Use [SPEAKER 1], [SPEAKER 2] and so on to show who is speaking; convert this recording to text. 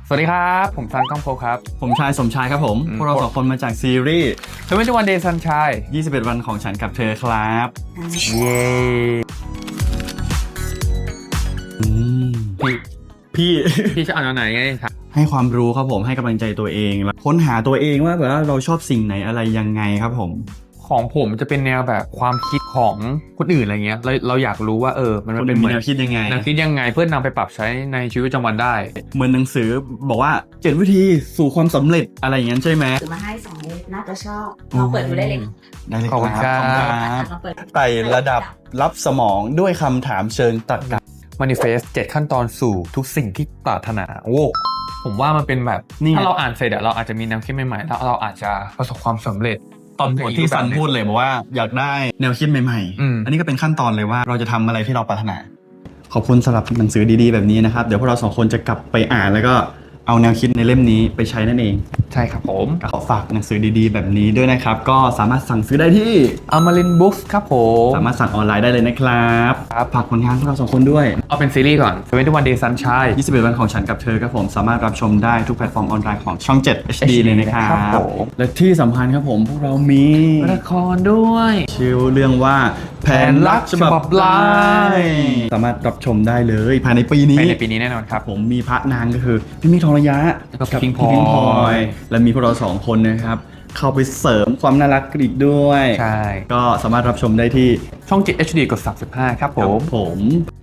[SPEAKER 1] สวัสดีครับผมซันก้องโพครับ
[SPEAKER 2] ผมชายสมชายครับผมพวกเราสองคนมาจากซีรีส์
[SPEAKER 1] 21 Day Sunshine
[SPEAKER 2] 21 วันของฉันกับเธอครับ
[SPEAKER 1] เย้
[SPEAKER 2] พี่
[SPEAKER 1] พี่จะอ่านอันไหนไงครับ
[SPEAKER 2] ให้ความรู้ครับผมให้กำลังใจตัวเองแล้วค้นหาตัวเองว่าแบบว่าเราชอบสิ่งไหนอะไรยังไงครับผม
[SPEAKER 1] ของผมจะเป็นแนวแบบความคิดของคนอื่นอะไรเงี้ยเราอยากรู้ว่ามันเป็นเหมือน
[SPEAKER 2] แนวคิดยังไง
[SPEAKER 1] แนวคิดยังไงเพื่อนำไปปรับใช้ในชีวิตประจำวันได้
[SPEAKER 2] เหมือนหนังสือบอกว่า7 วิธีสู่ความสำเร็จอะไรอย่างนั้นใช่ไหม
[SPEAKER 3] ถือมาให้2 เล่มน่าจะชอบลองเปิดดูได้เลย
[SPEAKER 2] ได้เลย
[SPEAKER 1] ขอบคุณครับ
[SPEAKER 3] ลองเปิดดู
[SPEAKER 2] ไต่ระดับรับสมองด้วยคำถามเชิงตรรกะ
[SPEAKER 1] Manifest 7 ขั้นตอนสู่ทุกสิ่งที่ปรารถนาโว้ผมว่ามันเป็นแบบถ้าเราอ่านเสร็จเราอาจจะมีแนวคิดใหม่ๆแล้วเราอาจจะประสบความสำเร็จ
[SPEAKER 2] ตอนบทที่ซันพูดเลยบอกว่าอยากได้แนวคิดใหม่ๆ อันนี้ก็เป็นขั้นตอนเลยว่าเราจะทำอะไรที่เราปรารถนาขอบคุณสำหรับหนังสือดีๆแบบนี้นะครับเดี๋ยวพวกเราสองคนจะกลับไปอ่านแล้วก็เอาแนวคิดในเล่มนี้ไปใช้นั่นเอง
[SPEAKER 1] ใช่ครับผม
[SPEAKER 2] ขอฝากหนังสือดีๆแบบนี้ด้วยนะครับก็สามารถสั่งซื้อได้ที่
[SPEAKER 1] Amarin Books ครับผม
[SPEAKER 2] สามารถสั่งออนไลน์ได้เลยนะครับฝากผลงานพวกเราสองคนด้วย
[SPEAKER 1] เอาเป็นซีรีส์ก่อน21 Day Sunshine
[SPEAKER 2] 21 วันของฉันกับเธอครับผมสามารถรับชมได้ทุกแพลตฟอร์มออนไลน์ของช่อง 7 HD เลยนะครับและที่สำคัญครับผมพวกเรามี
[SPEAKER 1] ละครด้วย
[SPEAKER 2] ชื่อเรื่องว่าแผนรักฉบับลายสามารถรับชมได้เลยภายในปีนี้
[SPEAKER 1] แน่นอนครับ
[SPEAKER 2] ผมมีพระนางก็คือพี่มิกทองระยะ
[SPEAKER 1] กับพิงพลอย
[SPEAKER 2] และมีพวกเราสองคนนะครับเข้าไปเสริมความน่ารักอีกด้วย
[SPEAKER 1] ใช่
[SPEAKER 2] ก็สามารถรับชมได้ที่
[SPEAKER 1] ช่อง 7 HD กด 35ครับผม